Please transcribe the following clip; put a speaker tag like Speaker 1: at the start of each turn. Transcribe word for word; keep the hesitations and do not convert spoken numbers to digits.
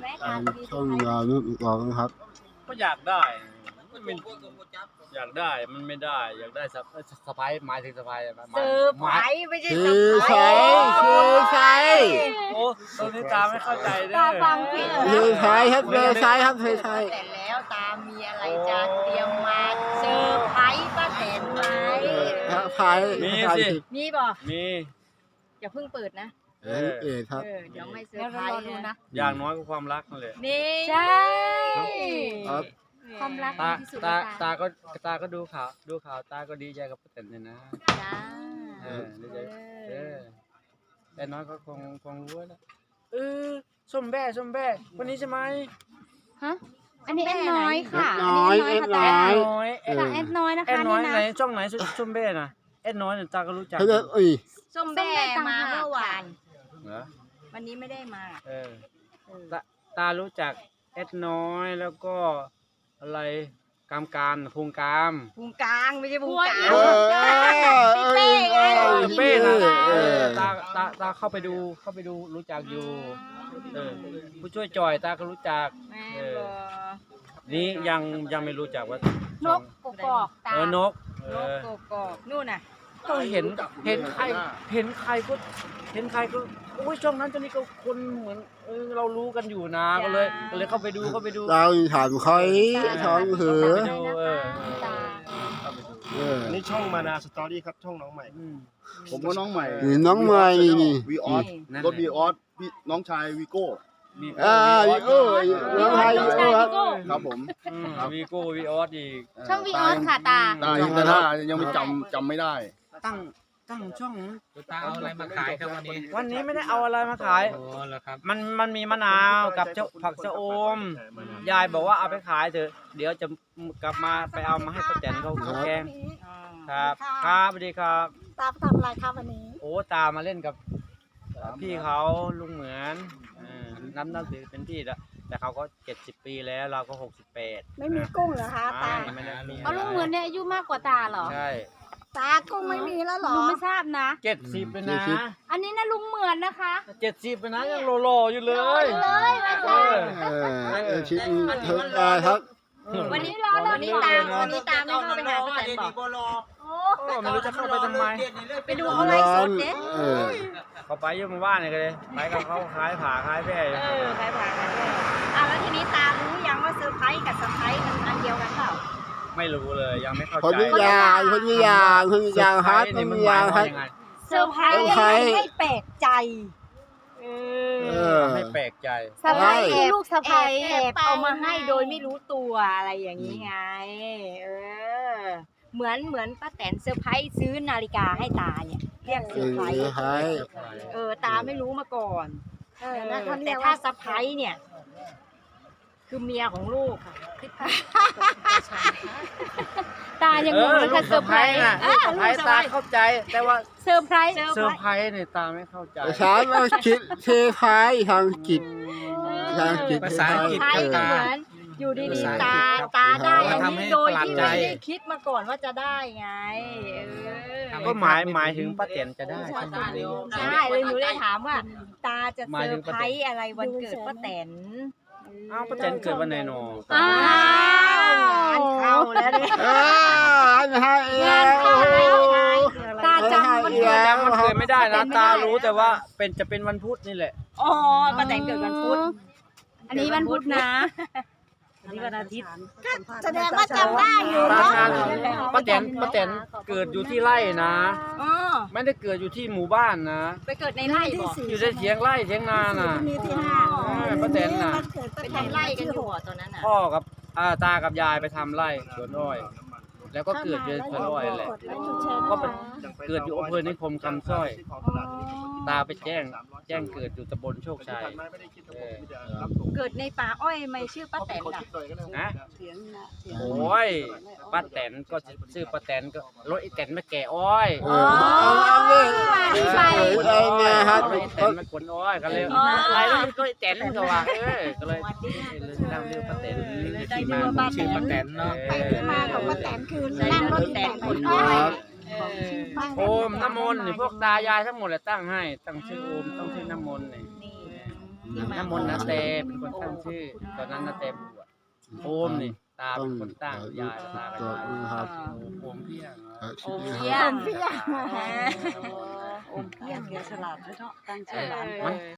Speaker 1: ไหม
Speaker 2: ตา
Speaker 1: ตาม มี
Speaker 2: ช่องยาวนุ่นก่อนนะครับ
Speaker 3: ก็อยากได้มันเป็นอยากได้มันไม่ได้ อยากได้สะสะพายหมายถึงสะพาย
Speaker 1: เซอร์ไพรส์ไม่ใช่
Speaker 2: คื
Speaker 1: เซอ
Speaker 2: อ
Speaker 1: ร์ไพร
Speaker 2: ใช้
Speaker 1: ส์
Speaker 2: คือใช้
Speaker 3: โอ้ตอนนี้ตาไม่เข้าใจเด้
Speaker 1: ตาฟังผิด
Speaker 2: คือใช้ครับคือใช้ครับคือใช้
Speaker 1: แต่แล้วตามีอะไรจะเตรียมมาเซอร์ไพรส์ป้าแตนไหม
Speaker 2: ครับใช้
Speaker 3: มีสิ
Speaker 1: มีบ่
Speaker 3: มี
Speaker 1: อย่าเพิ่งเปิดนะ
Speaker 2: เออเออครับ
Speaker 1: เออเดี๋ยวไม่เซอร์ไพรส์นะ
Speaker 3: อย่างน้อยก็ความรักนั่นแหละ
Speaker 1: นี่ใช่
Speaker 2: ครับ
Speaker 1: ความรัก
Speaker 3: ตา
Speaker 1: ดีที่สุด
Speaker 3: ตา
Speaker 1: แล้ว
Speaker 3: ตาก็ตาก็ดูข่าวดูข่าวตาก็ดีใจกับป้าแตนเลยนะ
Speaker 1: จ้า
Speaker 3: เออดีใจเออแต่น้อยก็คงคงรู้แล้วเออส้มแบ่ส้มแบ่คนนี้ใช่ไหม
Speaker 4: ฮะอันนี้แอดน้อยค่ะ
Speaker 2: น้อย
Speaker 4: อัน
Speaker 2: เอ็
Speaker 4: นี้
Speaker 2: ด
Speaker 4: น้
Speaker 2: น้
Speaker 4: อ
Speaker 2: อย ย
Speaker 3: น้อย
Speaker 2: เอ
Speaker 3: เอ็ด
Speaker 2: อ
Speaker 4: ค่ะแอดน้อยนะ
Speaker 3: แอด
Speaker 4: คะ
Speaker 3: น้อย
Speaker 4: นี่
Speaker 3: ไหน
Speaker 4: นะ
Speaker 3: ช่องไหนส้มแบ่น่ะแอดน้อยเนี่ยตาก็รู้จัก
Speaker 2: เขาจะอุ้ย
Speaker 1: ส้มแบ่มาเมื่อวาน
Speaker 3: เหรอ
Speaker 1: วันนี้ไม่ได้มา
Speaker 3: เออตาตารู้จักแอดน้อยแล้วก็อะไรกามการพุงกาม
Speaker 1: พุงกลางไม่ใช่พุงกลาง
Speaker 2: เออเออเออเออ
Speaker 3: เป้นะ
Speaker 2: เออ
Speaker 3: ตาตาตาเข้าไปดูเข้าไปดูรู้จักอยู่เออผู้ช่วยจอยตาก็รู้จัก
Speaker 1: แม่
Speaker 3: เออ
Speaker 1: บอ
Speaker 3: นี่ยังยังไม่รู้จักว่าน
Speaker 1: กกกอกตา
Speaker 3: เออนกเอน
Speaker 1: ก
Speaker 3: อก
Speaker 1: กอกนู่นน่ะ
Speaker 3: ก็เห็นเห็นใครเห็นใครก็เห็นใครก็โอ้ยช่องนั้นช่องนี้ก็คนเหมือนเออเรารู้กันอยู่นะก็เลยก็เลยเข้าไปดูเข้าไปดู
Speaker 2: เราถามใครท้องเหือ
Speaker 3: เข้าไปดูเออ
Speaker 1: ตา
Speaker 3: เข้าไปดู
Speaker 2: เออ
Speaker 5: นี่ช่องมานาสตอรี่ครับช่องน้องใหม่
Speaker 3: อืม
Speaker 5: ผมก็น้องใหม่
Speaker 2: นี่น้องใหม่นี่นี่
Speaker 5: วีออส
Speaker 3: นั่น
Speaker 5: รถ
Speaker 3: แหละ
Speaker 5: วีออสพี่น้องชายวีโก้
Speaker 3: มี
Speaker 2: อ่าวีโก้น้องไทยวีโก้ครับ
Speaker 5: ครับผม
Speaker 3: อืมวีโก้วีออสอีก
Speaker 4: ช่องวีออสค่ะตา
Speaker 5: ตายังแต่ถ้ายังไม่จำจำไม่ได้
Speaker 3: ตั้งตั้งช่อง
Speaker 6: ตาเอาอะไรมาขายครับวันนี้
Speaker 3: วันนี้ไม่ได้เอาอะไรมาขาย
Speaker 6: โอ้แล้วครับ
Speaker 3: มันมันมีมะนาวกับเจ้าผักชะอม ยายบอกว่าเอาไปขายเถอะ เดี๋ยวจะกลับมาไปเอามาให้ป้าแตนเขาเขาแกงครับ ครับสวัสดีครับ
Speaker 7: ตาทำอะไรครับวันนี้
Speaker 3: โอ้ตามาเล่นกับพี่เขาลุงเหมือนเออน้ำน้ำถือเป็นพี่แล้วแต่เขาก็เจ็ดสิบปีแล้วเราก็หกสิบแปด
Speaker 7: ไม่มีกุ้งเหรอคะตา
Speaker 3: ไม่ได้มี
Speaker 4: เอาลุงเหมือนเนี่ยอายุมากกว่าตาเหรอ
Speaker 3: ใช่
Speaker 7: ตากุ้งไม่มีแล้วเหรอ
Speaker 4: ลุงไม่ทราบนะ
Speaker 3: เจ็ดสิบเลยนะ
Speaker 4: อันนี้นะลุงเหมือนนะคะ
Speaker 3: เจ็ดสิบเลยนะยังโลๆอยู่เลย
Speaker 4: เลยมา
Speaker 3: เอ
Speaker 4: ค่ะ
Speaker 3: อ
Speaker 2: เออเออชิ้นเพิ่มได้ครับ
Speaker 1: วันนี้รอวันนี้ตาวันนี้ตาไม่เข้าไปหาป้าแตนบอก
Speaker 3: โอ้ไม่รู้จะเข้าไปทำไม
Speaker 1: ไปดูเขาไลฟ์สดเด้
Speaker 2: เออ
Speaker 3: เขาไปอยังมาบ้านเลยก็เลยไปกับเขาขายผ่าขายแพร่อยู่
Speaker 1: เออใครผ่านกันเลยอ่ะแล้วทีนี้ตารู้ยังว่าเซอร์ไพรส์กับเซอร์ไพรส์มันอันเดียวกันเปล่า
Speaker 3: ไม่รู้เลยยังไม่เข้า
Speaker 2: คน
Speaker 3: ใจ
Speaker 2: วิญญาณคนวิญญาณคนวิญญาณครับคนวิญญาณครับ
Speaker 1: เซอร์ไพรส์
Speaker 2: เซอร์ไพรส์
Speaker 1: ให้แปลกใจเอ
Speaker 2: เอ
Speaker 1: อ
Speaker 2: อ
Speaker 3: ไม่แปลกใจ
Speaker 4: สะพายคือลูกสะ
Speaker 1: แอ
Speaker 4: พาย
Speaker 1: บแอบเอามาให้โดยไม่รู้ตัวอะไรอย่างนี้ไง เออ เหมือนเหมือนป้าแตนเซอร์ไพรส์ซื้อนาฬิกาให้ตาเนี่ยเรียกเซอร์ไพรส์
Speaker 2: ใช่
Speaker 1: เออตาไม่รู้มาก่อน
Speaker 7: เออนะเขาเรี
Speaker 1: แต่
Speaker 7: ยก
Speaker 1: ถ้า
Speaker 7: ว่า
Speaker 1: เซอร์ไพรส์เนี่ย คือเมียของลูกค่ะ
Speaker 4: ตายังงงเลยค่ะเซอร์ไพรส์
Speaker 3: น่ะ
Speaker 1: อ่ะ
Speaker 3: เซอร์ไพรส์ตาเข้าใจ แต่ว่า
Speaker 4: เซอร์ไพรส์
Speaker 3: เซอร์ไพรส์เนี่ยตาไม่เข้าใจ
Speaker 2: ภาษาอังกฤษเทพายทางกิจทางกิจ
Speaker 6: ภาษาอังกฤษ
Speaker 1: ใช่ก็เหมือนอยู่ดีๆตาตาได้อันนี้โดยที่ไม่ได้คิดมาก่อนว่าจะได้ไงเออ
Speaker 3: ก็หมายหมายถึงป้าแตนจะได้ใช่ไหม
Speaker 1: ใช่เลยหนูเลยถามว่า ตาจะเซอร์ไพรส์อะไรวันเกิดป้าแตน
Speaker 3: อ้าวป้าแตนเกิดวันไหนหนอ
Speaker 4: อ้าว
Speaker 1: งานเข้าแล้วเนี่ย
Speaker 2: เอออันให้แล้ว
Speaker 4: ตาจำมันเกิด
Speaker 3: จำมันเกิดไม่ได้นะตารู้แต่ว่าเป็นจะเป็นวันพุธนี่แหละ
Speaker 1: อ๋อป้าแตนเกิดวันพุธ
Speaker 4: อันนี้วันพุธนะ
Speaker 1: อันนี้วันอาทิตย์
Speaker 7: แสดงว่าจำได้อยู่
Speaker 3: ตา
Speaker 7: เนาะ
Speaker 3: ชาญป้าแตนป้าแตนเกิดอยู่ที่ไร่นะ
Speaker 1: อ๋อ
Speaker 3: ไม่ได้เกิดอยู่ที่หมู่บ้านนะ
Speaker 1: ไปเกิดในไร่บ่
Speaker 3: อยู่ในเถียงไร่เถียงนาน่ะ
Speaker 7: มีที่ห้า
Speaker 3: เออป้าแตนน่ะ
Speaker 7: วันเกิดป้า
Speaker 1: ไป
Speaker 7: แตน
Speaker 1: ทำไร่กันอยู่อ่ะตอนนั้นอ่ะ
Speaker 3: พ่อกับอ่าตากับยายไปทำไร่สวนอ้อย แล้วก็เกิดอยู่ในสวนอ้อยแหละ ก็เป็นเกิดอยู่อำเภอนิคมคำสร้อย ตาไปแจ้ง แจ้งเกิดอยู่ตำบลโชคชัยเออ
Speaker 1: เกิดในป่าอ้อยไม่ชื่อป้าแตนอ่ะ
Speaker 3: นะโอ้ยป้าแตนก็ชื่อป้าแตนก็รถไอ้แตนมาแก่อ้อย
Speaker 2: เออเอาเอาเลยใส่ไอ้เนี่ยครับ
Speaker 3: รถไอ้แตนมาขนอ้อยก็เลยอะไรแล้วก็ไอ้แตนก็ว่าเออก็เลยเลยตั้งเรื่องป้าแตน
Speaker 6: ที่มาของชื่อป้าแตนเนาะ
Speaker 7: ไปที่มาของป้าแตนคือ
Speaker 1: ใส่
Speaker 7: นั่งร
Speaker 1: ร
Speaker 7: ถ
Speaker 1: ถ
Speaker 7: แต
Speaker 1: แต
Speaker 7: น
Speaker 1: น
Speaker 7: ค
Speaker 1: ข
Speaker 7: น
Speaker 1: น
Speaker 7: อ้
Speaker 1: อ้
Speaker 7: อ
Speaker 1: อย ย
Speaker 3: โอมน้ำมนต์นี่พวกตายายทั้งหมดเลยตั้งให้ ตั้งชื่อโอมต้องชื่อน้ำมนต์นี่
Speaker 1: นี่
Speaker 3: น้ำมนต์นาเตเป็นคนตั้งชื่อ ตอนนั้นนาเตบวชโอมนี่ตาเป็นคนตั้งยายตากับยาย
Speaker 2: ครับ
Speaker 3: โอมเพียง
Speaker 1: โอม
Speaker 2: ค
Speaker 1: เพีย
Speaker 2: รับ
Speaker 1: ง
Speaker 7: เพียง
Speaker 1: โอมเพียงเกียฉลาดเนาะตั้งชื่อหลาน
Speaker 3: มัน